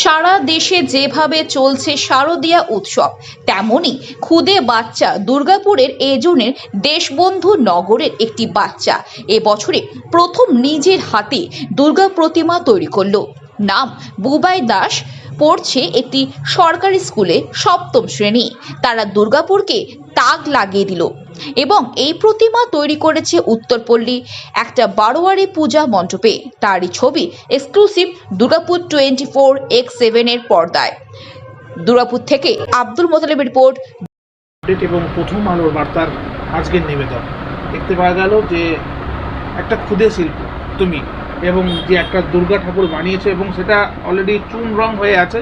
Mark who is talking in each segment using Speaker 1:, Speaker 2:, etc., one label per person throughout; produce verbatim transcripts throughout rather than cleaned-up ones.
Speaker 1: সারা দেশে যেভাবে চলছে শারদীয়া উৎসব, তেমনি খুদে বাচ্চা দুর্গাপুরের এজনের দেশবন্ধু নগরের একটি বাচ্চা এবছরে প্রথম নিজের হাতে দুর্গা প্রতিমা তৈরি করলো। নাম বুবাই দাস, পড়ছে একটি সরকারি স্কুলে সপ্তম শ্রেণী। তারা দুর্গাপুরকে তাক লাগিয়ে দিল এবং এই প্রতিমা তৈরি করেছে উত্তরপল্লী একটা বারোয়ারি পূজা মণ্ডপে। তারই ছবি exclusive Durgapur twenty four X seven এর পর্দায়। দুর্গাপুর থেকে আব্দুল মোতালেবের রিপোর্ট
Speaker 2: এবং প্রথম আলোর বার্তার আজকের নিবেদন। দেখতে পাওয়া গেল যে একটা ক্ষুদে শিল্প তুমি এবং যে একটা দুর্গা ঠাকুর বানিয়েছে এবং সেটা অলরেডি চুন রং হয়ে আছে,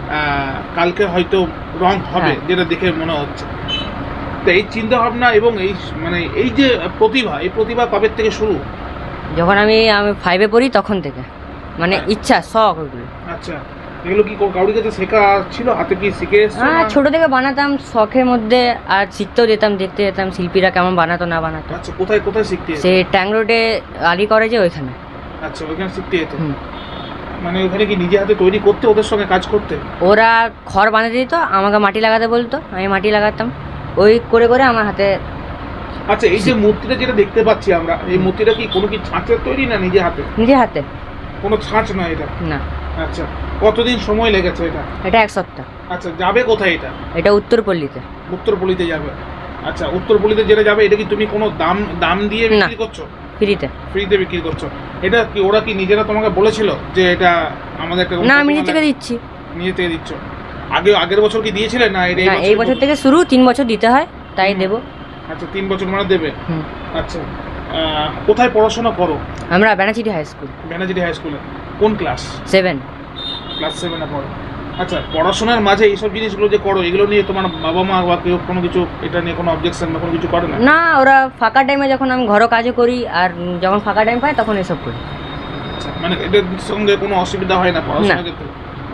Speaker 2: কালকে হয়তো রং হবে যেটা দেখে মনে হচ্ছে। তো এই চিন্তা ভাবনা এবং এই মানে এই যে প্রতিভা, এই প্রতিভা কবে থেকে শুরু?
Speaker 3: যখন আমি আমি ফাইভে পড়ি তখন থেকে, মানে ইচ্ছা শখ ওইগুলো।
Speaker 2: আচ্ছা, এগুলো কি কাউরির কাছে শেখা ছিল, হাতে কি শিখে এসেছো?
Speaker 3: হ্যাঁ, ছোটো থেকে বানাতাম শখের মধ্যে, আর শিখতেও যেতাম, দেখতে যেতাম শিল্পীরা কেমন বানাতো না বানাতো।
Speaker 2: আচ্ছা, কোথায় কোথায় শিখতে?
Speaker 3: সে ট্যাং রোডে আলি করে যে ওইখানে।
Speaker 2: আচ্ছা, ওইখানে শিখতে যেত। মানে ওখানে কি নিজে হাতে তৈরি করতে, ওদের সঙ্গে কাজ করতে?
Speaker 3: ওরা খড় বানাতে দিত, আমাকে মাটি লাগাতে বলতো, আমি মাটি লাগাতাম, ওই করে করে আমার হাতে।
Speaker 2: আচ্ছা, এই যে মূর্তিটা যেটা দেখতে পাচ্ছি আমরা, এই মূর্তিটা কি কোনো কি ছাঁচের তৈরি না নিজে হাতে?
Speaker 3: নিজে হাতে।
Speaker 2: কোনো ছাঁচ নয় এটা?
Speaker 3: না।
Speaker 2: আচ্ছা, কতদিন সময় লেগেছে এটা?
Speaker 3: এটা এক সপ্তাহ।
Speaker 2: আচ্ছা, যাবে কোথায় এটা?
Speaker 3: এটা উত্তরপল্লীতে।
Speaker 2: উত্তরপল্লীতে যাবে। আচ্ছা, উত্তরপল্লীতে যেটা যাবে, এটা কি তুমি কোনো দাম দাম দিয়ে বিক্রি করছো?
Speaker 3: ফ্রিতে।
Speaker 2: ফ্রিতে বিক্রি করছো। এটা কি ওরা কি নিজেরা তোমাকে বলেছিল যে এটা আমাদের একটা?
Speaker 3: না, আমি নিজে থেকে দিচ্ছি।
Speaker 2: নিজে থেকে দিচ্ছ? আগে আগের বছর কি দিয়েছিলে না? এটা
Speaker 3: না, এই বছর থেকে শুরু, তিন বছর দিতে হয়, তাই দেবো।
Speaker 2: আচ্ছা, তিন বছর মানে দেবে। আচ্ছা, কোথায় পড়াশোনা করো?
Speaker 3: আমরা Benachity high school.
Speaker 2: Benachity high স্কুলে কোন ক্লাস?
Speaker 3: সেভেন।
Speaker 2: ক্লাস সেভেনে পড়ো। আচ্ছা, পড়াশোনার মাঝে এইসব জিনিসগুলো যে করো, এগুলো নিয়ে তোমার বাবা মা বা কেউ কোনো কিছু এটা নিয়ে কোনো অবজেকশন বা কোনো কিছু করে না?
Speaker 3: না, ওরা ফাঁকা টাইমে যখন আমি ঘরও কাজও করি আর যখন ফাঁকা টাইম পাই তখন এসব করি।
Speaker 2: আচ্ছা, মানে এটার সঙ্গে কোনো অসুবিধা হয় না পড়াশোনার ক্ষেত্রে?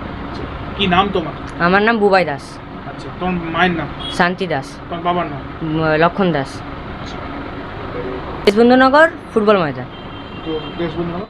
Speaker 2: কি নাম তোমার?
Speaker 3: আমার নাম বুবাই দাস।
Speaker 2: আচ্ছা, তোমার মায়ের নাম?
Speaker 3: শান্তি দাস।
Speaker 2: তোমার বাবার নাম?
Speaker 3: লক্ষণ দাস। দেশবন্ধুনগর ফুটবল ময়দান।
Speaker 2: তো দেশবন্ধু